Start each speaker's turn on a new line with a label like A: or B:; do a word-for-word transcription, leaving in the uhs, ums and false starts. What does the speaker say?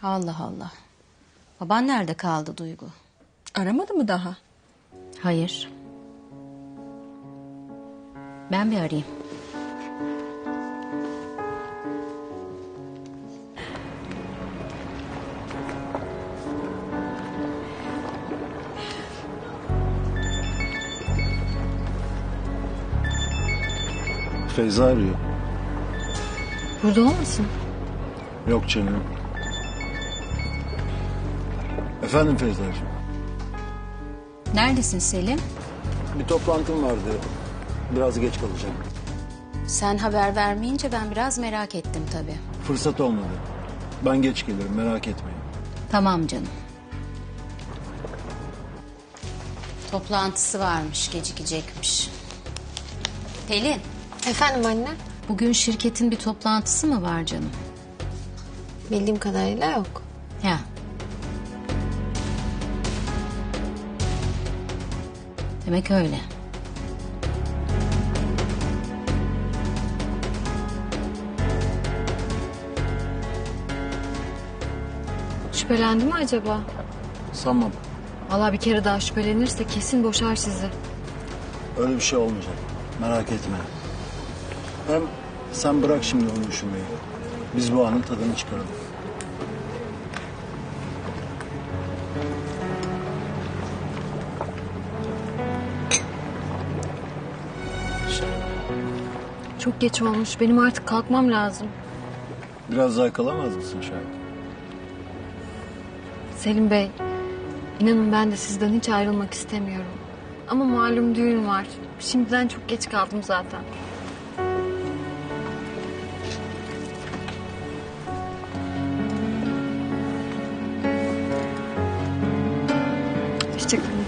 A: Allah Allah. Baban nerede kaldı Duygu?
B: Aramadı mı daha?
A: Hayır. Ben bir arayayım.
C: Feyza arıyor.
B: Burada olmasın?
C: Yok canım. Efendim Feyza'cığım.
A: Neredesin Selim?
C: Bir toplantım vardı. Biraz geç kalacağım.
A: Sen haber vermeyince ben biraz merak ettim tabii.
C: Fırsat olmadı. Ben geç gelirim, merak etmeyin.
A: Tamam canım. Toplantısı varmış, gecikecekmiş. Pelin,
D: Efendim anne?
A: bugün şirketin bir toplantısı mı var canım?
D: Bildiğim kadarıyla yok.
A: Ya. Demek öyle.
B: Şüphelendi mi acaba?
C: Sanmam.
B: Vallahi bir kere daha şüphelenirse kesin boşar sizi.
C: Öyle bir şey olmayacak. Merak etme. Hem sen bırak şimdi onu düşünmeyi. Biz bu anın tadını çıkaralım.
B: Çok geç olmuş. Benim artık kalkmam lazım.
C: Biraz daha kalamaz mısın şayet?
B: Selim Bey, inanın ben de sizden hiç ayrılmak istemiyorum. Ama malum düğün var. Şimdiden çok geç kaldım zaten. Hoşçakalın.